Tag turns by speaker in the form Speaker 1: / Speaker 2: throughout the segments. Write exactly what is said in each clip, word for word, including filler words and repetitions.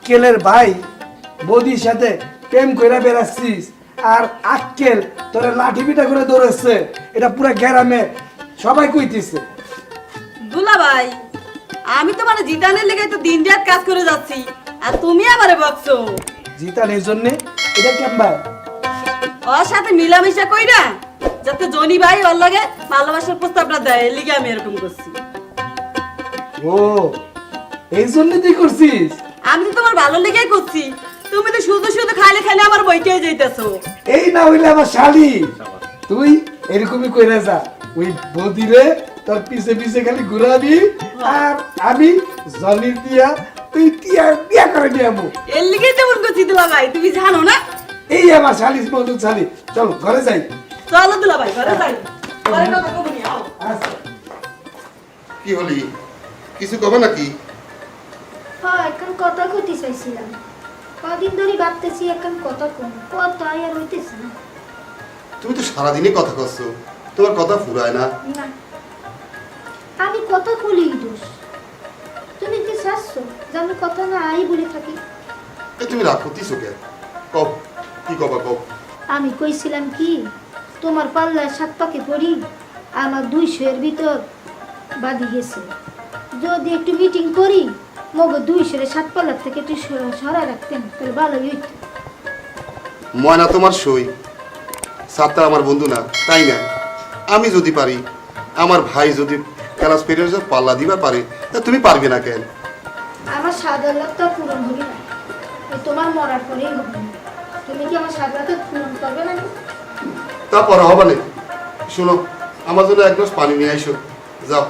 Speaker 1: আক্কেলের ভাই বৌদির সাথে প্রেম করে বেড়াচ্ছিস আর আক্কেল তোরে লাঠি পিটা করে দৌড়াচ্ছে, এটা পুরো গ্রামে সবাই কইতেছে।
Speaker 2: দুলা ভাই আমি তো মানে জিতানের লেগে তো দিন রাত কাজ করে যাচ্ছি আর তুমি আমারে বকছো।
Speaker 1: জিতানের জন্য এটা কেমবা
Speaker 2: ওর সাথে মিলামিশা কইরা যাতে জনি ভাই ওর লাগে ভালোবাসার প্রস্তাবটা দেয়, এর লিগে আমি এরকম করছি।
Speaker 1: ও এই জন্য তুই করছিস?
Speaker 2: আমি তো তোমার ভালো লেগেই করছি, তুমি তো শুধু শুধু খাইলে খাইলে আমার বইতে যাইতেছো।
Speaker 1: এই না হইলে আমার শালি, তুই এরকমই কইরা যা, ওই বৌদিরে তোর পিছে পিছে খালি ঘুরাবি আর আমি জনি দিয়া তুই টিয়া বিয়া করে নিয়ামু।
Speaker 2: এর লিগেই তেমন করছি দুলা ভাই, তুমি জানো না?
Speaker 1: এই আমার শালি বন্ধু শালি, চল ঘরে যাই।
Speaker 2: চলো দুলা ভাই ঘরে যাই, ঘরে কথা কব নি আও।
Speaker 1: আচ্ছা
Speaker 3: কি হলি, কিছু কবে নাকি?
Speaker 4: হ্যাঁ এখন কথা কইতে চাইছিলাম, কদিন ধরে ভাবতেছি এখন কথা কম কথাই আর হইতেছে না।
Speaker 3: তুমি তো সারাদিনই কথা করছো, তোমার কথা ফুরায় না।
Speaker 4: না আমি কথা বলি দোষ, তুমি কি চাচ্ছো যে আমি কথা না আই বলে থাকি?
Speaker 3: এই তুমি রাগ করতেছো কে? কব কি কবা কব।
Speaker 4: আমি কইছিলাম কি তোমার পাল্লায় সাত পাকে পড়ি আমার দুইশো এর ভিতর বাদি গেছে, যদি একটু মিটিং করি মগো দুইশো এর সাত পাল্লার থেকে একটু সরা রাখতেন তাহলে ভালোই হইতো।
Speaker 3: ময়না তোমার সই, সাতটা আমার বন্ধু না তাই না? আমি যদি পারি, আমার ভাই যদি ক্লাস পেরিয়ে পাল্লা দিবা পারে, তা তুমি পারবে না কেন?
Speaker 4: আমার সাধারণতা পূরণ হবে না, ওই তোমার মরার পরেই হবে না। তুমি কি আমার সাধারণতা পূরণ করবে না?
Speaker 3: তা পরে হবে না। শোনো, আমার জন্য এক গ্লাস পানি নিয়ে আইসো, যাও।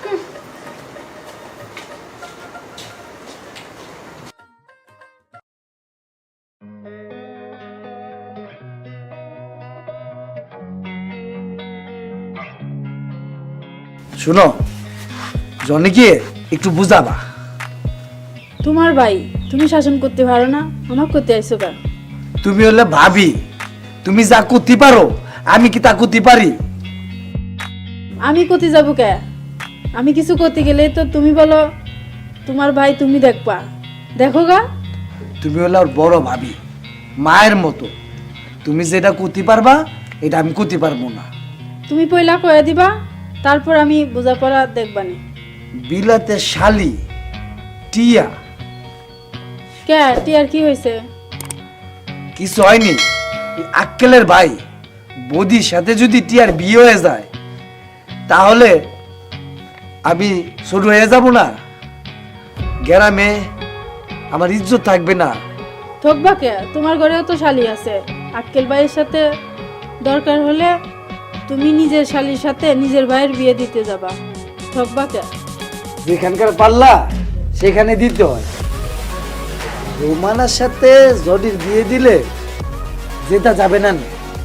Speaker 1: শুনো, জনিকে একটু বুঝাবা।
Speaker 5: তোমার ভাই, তুমি শাসন করতে পারো না, আমার করতে আইসো কেন?
Speaker 1: তুমি হলে ভাবি, তুমি যা করতে পারো আমি কি তা করতে পারি?
Speaker 5: আমি কোথায় যাবো কে? আমি কিছু করতে গেলে তো তুমি বলো তোমার ভাই তুমি দেখবা, দেখো গা।
Speaker 1: তুমি হলে ওর বড় ভাবি, মায়ের মতো। তুমি যেটা করতে পারবা এটা আমি করতে পারবো না।
Speaker 5: তুমি পয়লা কয়ে দিবা, তারপর আমি বোঝাপড়া দেখবানি।
Speaker 1: বিলাতে শালি টিয়া
Speaker 5: কে টিয়ার কি হয়েছে?
Speaker 1: কিছু হয়নি। এই আক্কেলের ভাই বৌদির সাথে যদি টিয়ার বিয়ে হয়ে যায় তাহলে আমি ছোট হয়ে যাব না, গ্রামে আমার ইজ্জত থাকবে না।
Speaker 5: থকবা কে? তোমার ঘরেও তো শালি আছে, আক্কেল ভাইয়ের সাথে দরকার হলে তুমি নিজের শালির সাথে নিজের ভাইয়ের বিয়ে দিতে যাবা, থকবা কে?
Speaker 1: যেখানকার পাল্লা সেখানে দিতে হয়। রোমানার সাথে জডির বিয়ে দিলে যেটা যাবে না।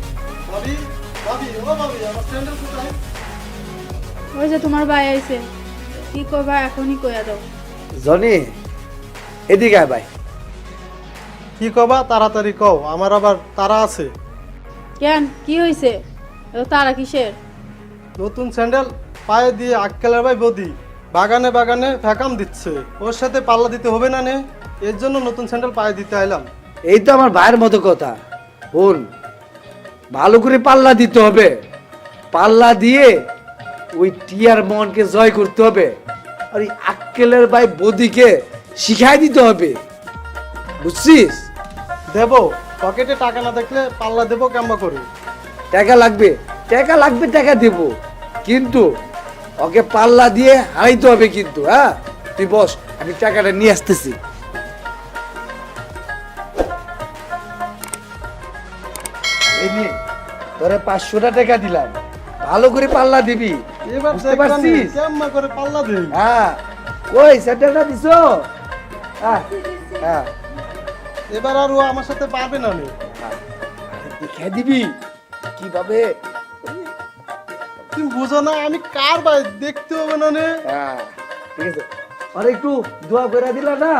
Speaker 5: ওই যে তোমার ভাই আইছে, কি কইবা এখনই কইয়া দাও।
Speaker 1: জনি এদিকে আয় ভাই।
Speaker 6: কি কবা তাড়াতাড়ি কও, আমার আবার তারা আছে।
Speaker 5: কেন কি হয়েছে? তারা কিসের?
Speaker 6: নতুন স্যান্ডেল পায়ে দিয়ে আক্কেলের ভাই বদি বাগানে বাগানে ফ্যাকাম দিচ্ছে, ওর সাথে পাল্লা দিতে হবে না নে, এর জন্য নতুন স্যান্ডেল পায়ে দিতে আইলাম।
Speaker 1: এই তো আমার ভাইয়ের মতো কথা। বোন, ভালো করে পাল্লা দিতে হবে, পাল্লা দিয়ে ওই টিয়ার মনকে জয় করতে হবে আর ওই আক্কেলের ভাই বদিকে শিখাই দিতে হবে, বুঝছিস?
Speaker 6: দেবো, পকেটে টাকা না দেখলে পাল্লা দেবো কেমন করে?
Speaker 1: টাকা লাগবে, টাকা লাগবে, টাকা দেব, কিন্তু ওকে পাল্লা দিয়ে হারাইতে হবে কিন্তু। হ্যাঁ তুই বস, আমি টাকাটা নিয়ে আসতেছি। এই নে, তোরে পাঁচশোটা টাকা দিলাম, ভালো করে পাল্লা দিবি,
Speaker 6: এবার
Speaker 1: বুঝতে পারছিস?
Speaker 6: কেমন করে পাল্লা দিই?
Speaker 1: হ্যাঁ কই স্যান্ডেলটা দিছো? হ্যাঁ হ্যাঁ
Speaker 6: এবার আর ও আমার সাথে পারবে না নে।
Speaker 1: দেখে দিবি কিভাবে।
Speaker 6: তুমি বুঝো না আমি কার ভাই, দেখতে হবে না নে।
Speaker 1: হ্যাঁ ঠিক আছে, আর একটু দোয়া করে দিলা না।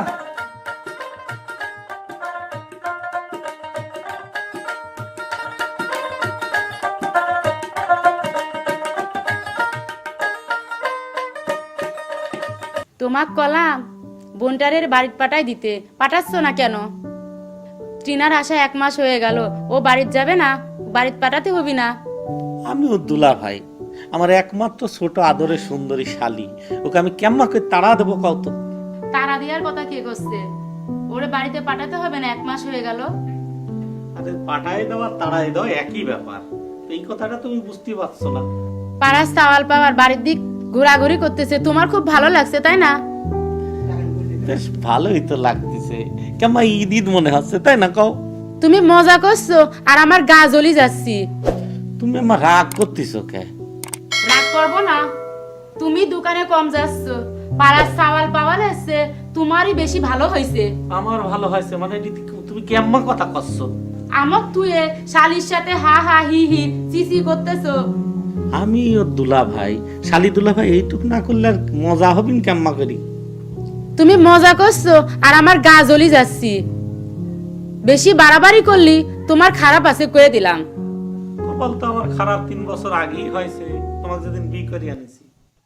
Speaker 7: তোমাক কলাম বোনটারের বাড়িতে পাঠাই দিতে, পাঠাচ্ছ না কেন? ট্রিনার আসা এক মাস হয়ে গেল, ও বাড়িতে যাবে না? বাড়িতে পাঠাতে হবি না?
Speaker 8: আমি ওর দুলা ভাই, আমার একমাত্র ছোট আদরের সুন্দরী শালী, ওকে আমি কেমন করে তাড়া দেবো কত?
Speaker 7: তারা দেওয়ার কথা কে করছে? ওরে বাড়িতে পাঠাতে হবে না, এক মাস হয়ে গেল।
Speaker 8: আরে পাঠাই দেওয়া তাড়াই দেওয়া একই ব্যাপার, এই কথাটা তুমি বুঝতে পারছো না।
Speaker 7: পাড়ার সাওয়াল পাওয়ার বাড়ির দিক ঘোরাঘুরি করতেছে, তোমার খুব ভালো লাগছে তাই না?
Speaker 8: বেশ ভালোই তো লাগতেছে, কেমন ঈদ ঈদ মনে হচ্ছে তাই না কও?
Speaker 7: তুমি মজা করছো আর আমার গা জ্বলি যাচ্ছি।
Speaker 8: তুমি আমার রাগ করতেছো কে?
Speaker 7: রাগ করবো না, তুমি দোকানে কম যাচ্ছ, পাড়ার সাওয়াল পাওয়াল এসছে, তোমারই বেশি ভালো হয়েছে।
Speaker 8: আমার ভালো হয়েছে মানে এটি তুমি কেমন কথা করছো?
Speaker 7: আমার তুই শালির সাথে হা হা হি হি চিচি করতেছো।
Speaker 8: আমি ওর দুলা ভাই, শালি দুলা ভাই, এইটুক না করলে আর মজা হবিন কেমন করি?
Speaker 7: তুমি মজা করছো আর আমার গা জ্বলি যাচ্ছি। বেশি বাড়াবাড়ি করলি তোমার খারাপ আছে কয়ে দিলাম।
Speaker 8: কপাল তো আমার খারাপ তিন বছর আগেই হয়েছে, তোমাকে যেদিন বিয়ে করে আনিছি।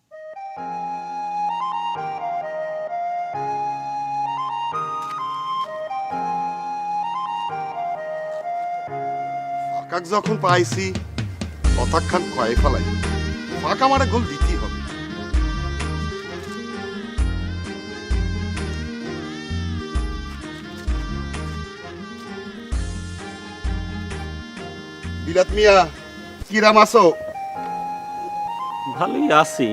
Speaker 3: ফাঁকাক যখন পাইছি কথাখান কয়ে ফেলাই, ফাঁকা মারে গোল দিতেই হবে। বিলাত মিয়া, কিরাম আছো?
Speaker 8: ভালোই আছি।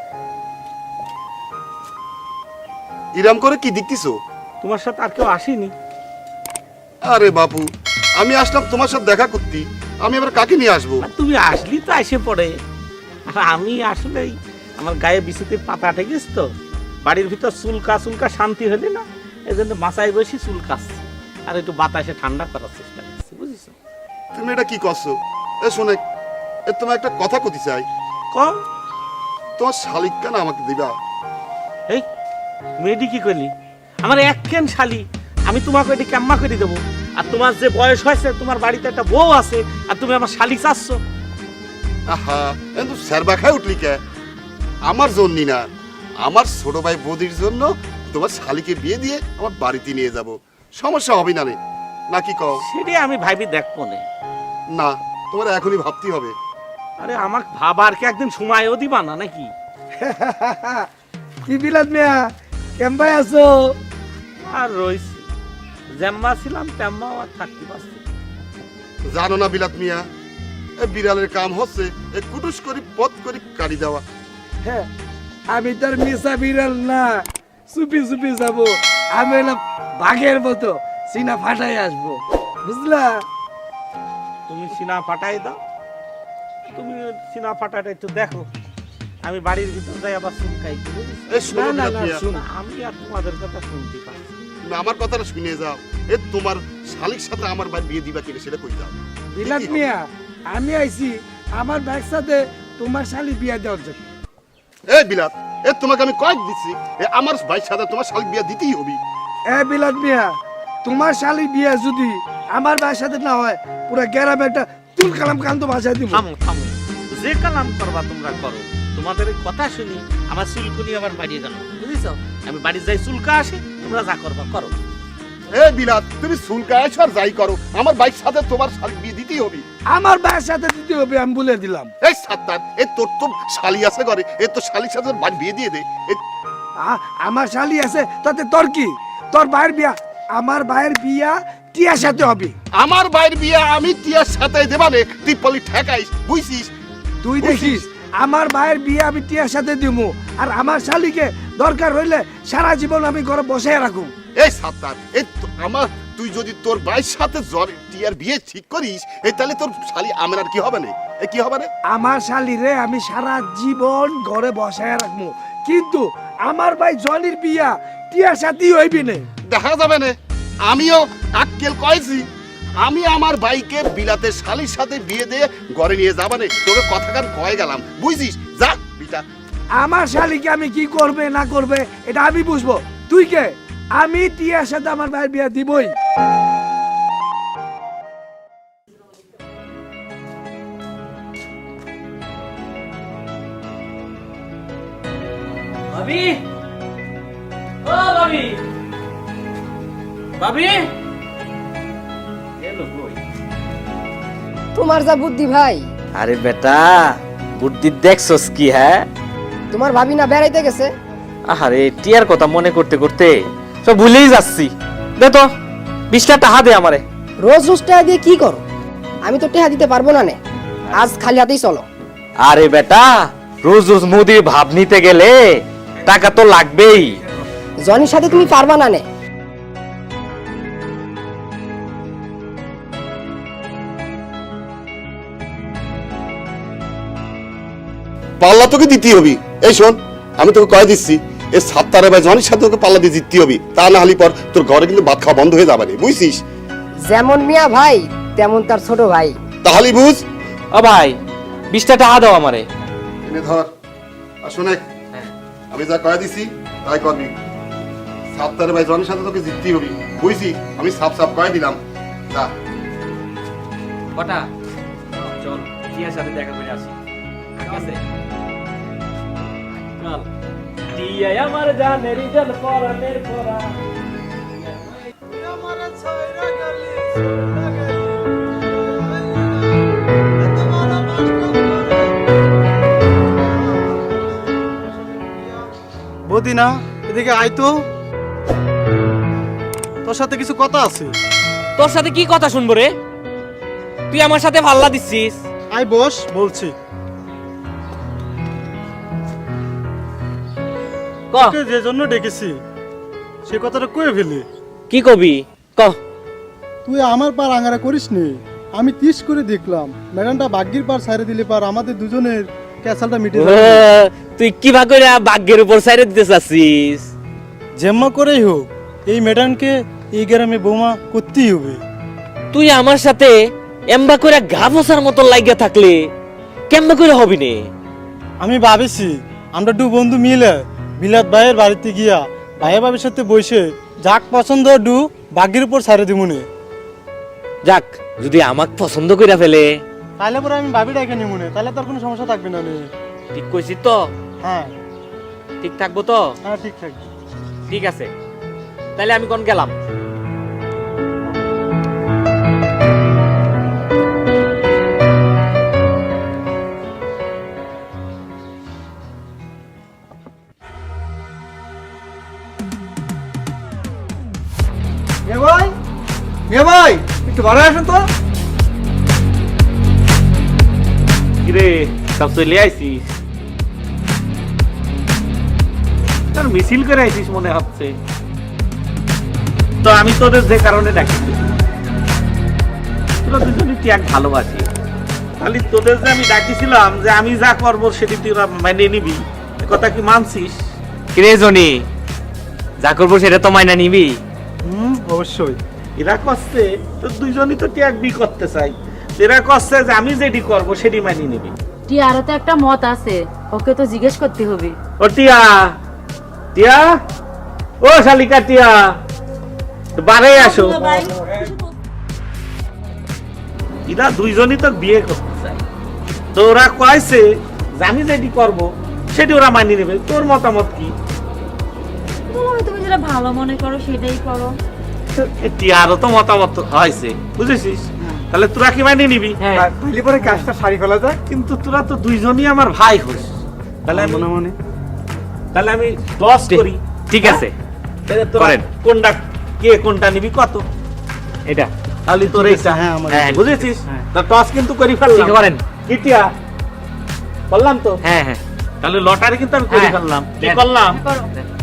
Speaker 3: ইরাম করে কি দেখতেছো?
Speaker 8: তোমার সাথে আর কেউ আসেনি?
Speaker 3: আরে বাপু, আমি আসলাম তোমার সাথে দেখা করতে, আমি এবার কাকে নিয়ে আসবো?
Speaker 8: আর তুমি আসলি তো এসে পড়ে, আর আমি আসলেই আমার গায়ে বিছুতে পাতা ঠেকিস তো, বাড়ির ভিতর চুলকা চুলকা শান্তি হলি না, এই জন্য মাথায় বসে চুলকাচ্ছি আর একটু বাতাসে ঠান্ডা করার চেষ্টা করছি, বুঝেছো?
Speaker 3: তুমি এটা কি করছো? এ শোনে, এ তোমার একটা কথা কতি চাই।
Speaker 8: কম
Speaker 3: তোমার শালিক কেন আমাকে দিবা?
Speaker 8: এই মেয়েটি কি করলি? আমার একখান শালি, আমি তোমাকে এটি কেম্মা করে দেবো? আর তোমার যে বয়স হয়েছে, তোমার বাড়িতে একটা বউ আছে, আর তুমি আমার শালি চাচ্ছ?
Speaker 3: আহা, কিন্তু স্যারবা খায় উঠলি কে? আমার জন্য না, আমার ছোট ভাই বৌদির জন্য তোমার শালিকে বিয়ে দিয়ে আমার বাড়িতে নিয়ে যাব, সমস্যা হবে না রে, নাকি কও?
Speaker 8: সেটি আমি ভাবি দেখবো না।
Speaker 3: না, তোমার এখনই ভাবতে হবে।
Speaker 8: আরে আমাকে ভাবার কি একদিন সময়ও দিবা না নাকি?
Speaker 1: কি বিলাত মিয়া, কেমন আছো?
Speaker 8: আর রইছি, যেম্মা ছিলাম তেম্মাও আর থাকতে পারছি।
Speaker 3: জানো না বিলাত মিয়া, এ বিড়ালের কাম হচ্ছে এ কুটুস করি পথ করি কাটি দেওয়া।
Speaker 1: হ্যাঁ, আমি তার মিশা বিড়াল না, চুপি চুপি যাবো। আমি এলাম বাঘের মতো, সিনা ফাটাই আসবো, বুঝলা?
Speaker 8: তুমি সিনা ফাটাই দাও, তুমি সিনা ফাটাটা একটু দেখো, আমি বাড়ির ভিতর যাই আবার চুলকাই।
Speaker 3: এ শোনো
Speaker 1: না, না,
Speaker 3: বিলাত
Speaker 1: না,
Speaker 3: মিয়া,
Speaker 1: শুন।
Speaker 8: আমি আর তোমাদের কথা শুনতে পাচ্ছি।
Speaker 3: তুমি আমার কথাটা শুনে যাও। এ তোমার শালিক সাথে আমার ভাই বিয়ে দিবা কিনা সেটা কই যাও।
Speaker 1: বিলাত মিয়া, আমি আইছি আমার ব্যাগ সাথে তোমার শালি বিয়া দেওয়ার জন্য।
Speaker 3: এ বিলাত, এ তোমাকে আমি কয়েক দিচ্ছি, এ আমার ভাই সাথে তোমার শালিক বিয়ে দিতেই হবে।
Speaker 1: এ বিলাত মিয়া, তোমার শালি বিয়া যদি আমার ভাইয়ের সাথে না হয়, পুরো গ্রামে একটা চুল কালাম কান্ত ভাষায় দিব।
Speaker 8: থামো থামো, যে কালাম করবা তোমরা করো, তোমাদের এই কথা শুনি আমার চুলকুনি আবার বাড়িয়ে গেল, বুঝেছো? আমি বাড়ি যাই চুলকা আসে, তোমরা যা করবা করো।
Speaker 3: এ বিলাত, তুমি চুলকায় আর যাই করো, আমার ভাইয়ের সাথে তোমার শালিক বিয়ে দিতেই হবে।
Speaker 1: আমার ভাইয়ের সাথে দিতে হবে, আমি বলে দিলাম।
Speaker 3: এই সাত্তার, এ তোর তো শালি আছে ঘরে, এ তো শালির সাথে বাড়ি বিয়ে দিয়ে দে। এ
Speaker 1: আ- আমার শালি আছে, তাতে তোর কি? তোর ভাইয়ের বিয়া, আমার ভাইয়ের বিয়া টিয়ার সাথে হবে।
Speaker 3: আমার ভাইয়ের বিয়ে আমি টিয়ার সাথে দেবানে, তুই পলি ঠেকাইস, বুঝছিস?
Speaker 1: তুই দেখিস, আমার ভাইয়ের বিয়ে আমি টিয়ার সাথে দিব, আর আমার শালিকে দরকার হইলে সারা জীবন আমি ঘরে বসে রাখুম।
Speaker 3: এই সাত্তার, এই তো- আমার তুই যদি তোর ভাইয়ের সাথে জ্বর টিয়ার বিয়ে ঠিক করিস, এই তাহলে তোর শালি আমার আর কি হবে না? এ কি হবে না?
Speaker 1: আমার শালিরে আমি সারা জীবন ঘরে বসায় রাখবো, কিন্তু আমার ভাই জনির বিয়া টিয়ার সাথেই হইবি না।
Speaker 3: দেখা যাবে না, আমিও আক্কেল কয়েছি, আমি আমার ভাইকে বিলাতে শালির সাথে বিয়ে দিয়ে ঘরে নিয়ে যাবা না, তোকে কথাখান কয়ে গেলাম, বুঝছিস? যা বিটা।
Speaker 1: আমার শালিকে আমি কি করবে না করবে এটা আমি বুঝবো, তুই কে? আমি টিয়ার সাথে আমার ভাইয়ের বিয়া দিবই।
Speaker 9: ভাবি, ও
Speaker 8: ও ভাবি ভাবি এলো কই?
Speaker 9: তোমার যা বুদ্ধি ভাই,
Speaker 10: আরে বেটা বুদ্ধি দেখছস কি? হ্যাঁ
Speaker 9: তোমার ভাবি না বেড়াইতে গেছে?
Speaker 10: আরে টিয়ার কথা মনে করতে করতে সব ভুলেই যাচ্ছি। দে তো বিশটা টাকা দে আমারে।
Speaker 9: রোজ রোজ টাকা দিয়ে কি করো? আমি তো টাকা দিতে পারবো না নে, আজ খালি হাতেই চলো।
Speaker 10: আরে বেটা রোজ রোজ মোদির ভাব নিতে গেলে টাকা তো লাগবেই।
Speaker 9: জনির সাথে তুমি পারবা না নে।
Speaker 3: পাল্লা তোকে দিতে হবে। এই শোন, আমি তোকে কয়ে দিচ্ছি, এই সাতটারে ভাই জনের সাথে তোকে পাল্লা দিয়ে জিততে হবে, তা না হলে পর তোর ঘরে কিন্তু ভাত খাওয়া বন্ধ হয়ে যাবে না, বুঝছিস?
Speaker 9: যেমন মিয়া ভাই তেমন তার ছোট ভাই।
Speaker 3: তাহলে বুঝ।
Speaker 10: ও ভাই বিশটা টাকা দাও আমারে।
Speaker 3: এনে ধর। আর শোনে, আমি যা কয়ে দিছি তাই করবি। সাতটারে ভাই জনের সাথে তোকে জিততে হবে, বুঝছি? আমি সাপ সাপ কয়ে দিলাম। যা
Speaker 10: কটা চল টিয়ার সাথে দেখা করে আসি। ঠিক আছে চল। টিয়া আমার জানের জান পরানের পরা।
Speaker 6: বদিনা এদিকে আয় তো, তোর সাথে কিছু কথা আছে।
Speaker 10: তোর সাথে কি কথা শুনবো রে? তুই আমার সাথে পাল্লা দিচ্ছিস।
Speaker 6: আয় বস, বলছি।
Speaker 10: ক
Speaker 6: তোকে যে জন্য ডেকেছি সে কথাটা কয়ে ফেলি।
Speaker 10: কি কবি ক।
Speaker 6: তুই আমার পার আঙারা করিস নি। আমি তিস করে দেখলাম ম্যাডামটা বাগ্যির পার ছাড়ে দিলে পার আমাদের দুজনের ক্যাসালটা মিটে যাবে।
Speaker 10: তুই কি ভাগ করে ভাগ্যের উপর সাইরে দিতে চাচ্ছিস?
Speaker 6: যেম্মা করেই হোক এই ম্যাডামকে এই গ্রামে বোমা করতেই হবে।
Speaker 10: তুই আমার সাথে এম্বা করে গা বসার মতো লাগিয়া থাকলে কেমবা করে হবি নে?
Speaker 6: আমি ভাবেছি আমরা দু বন্ধু মিলে বিলাত ভাইয়ের বাড়িতে গিয়া ভাইয়া ভাবির সাথে বসে যাক পছন্দ ডু বাগ্যির উপর ছাড়ে দিমুনে।
Speaker 10: যাক যদি আমাক পছন্দ করে ফেলে
Speaker 6: তাহলে পরে আমি ভাবি ডাকে নিমুনে, তাহলে তোর কোনো সমস্যা থাকবে না নে।
Speaker 10: ঠিক কইছি তো?
Speaker 6: হ্যাঁ
Speaker 10: ঠিক থাকবো তো?
Speaker 6: হ্যাঁ ঠিক থাকবে।
Speaker 10: ঠিক আছে তাহলে আমি কোন গেলাম।
Speaker 1: এ ভাই এ ভাই একটু বাড়া আসুন তো।
Speaker 8: কিরে সব চলে আইছিস? তোর মিছিল করে আইছিস মনে হচ্ছে। তো আমি তোদের যে কারণে ডাকিছি, তোরা দুজনই ত্যাগ ভালোবাসি। খালি তোদের যে আমি ডাকিছিলাম যে আমি যা করবো সেটি তোরা মেনে নিবি, এ কথা কি মানছিস?
Speaker 10: কিরে জনি যা করবো সেটা তো মাইনা নিবি?
Speaker 6: হুম অবশ্যই।
Speaker 8: এরা করছে তো দুইজনই তো ত্যাগ বি করতে চাই, এরা করছে যে আমি যেটি করবো সেটি মানিয়ে নিবি।
Speaker 7: টিয়ারও তো একটা মত আছে, ওকে তো জিজ্ঞেস করতে হবে।
Speaker 8: ও টিয়া, টিয়া, ও শালিকা টিয়া, বারে আসো।
Speaker 2: ভাই
Speaker 8: এরা দুইজনই তো বিয়ে করতে চাই, তো ওরা কয়েছে যে আমি যেটি করবো সেটি ওরা মানিয়ে নেবে। তোর মতামত কি?
Speaker 2: তুমি যেটা ভালো মনে করো সেটাই করো।
Speaker 8: টিয়ারও তো মতামত হয়েছে, বুঝেছিস? তাহলে তোরা কি মানিয়ে নিবি?
Speaker 6: তাহলে পরে কাজটা সারি ফেলা যায়।
Speaker 8: কিন্তু তোরা তো দুইজনই আমার ভাই হোস, তাহলে আমি
Speaker 6: মনে মনে
Speaker 8: তাহলে আমি দশ করি।
Speaker 10: ঠিক আছে
Speaker 8: তাহলে তোরা
Speaker 10: করেন।
Speaker 8: কোনটা কে কোনটা নিবি কত?
Speaker 10: এটা
Speaker 8: তাহলে তোর এইটা,
Speaker 6: হ্যাঁ আমার
Speaker 10: হ্যাঁ,
Speaker 8: বুঝেছিস?
Speaker 6: হ্যাঁ।
Speaker 8: তা টস কিন্তু করি ফেললাম।
Speaker 10: ঠিক করেন।
Speaker 8: কি টিয়া করলাম তো?
Speaker 10: হ্যাঁ হ্যাঁ
Speaker 8: তাহলে লটারি কিন্তু আমি করে
Speaker 10: হ্যাঁ।
Speaker 8: ফেললাম। কি
Speaker 10: হ্যাঁ।
Speaker 8: করলাম?
Speaker 7: করো।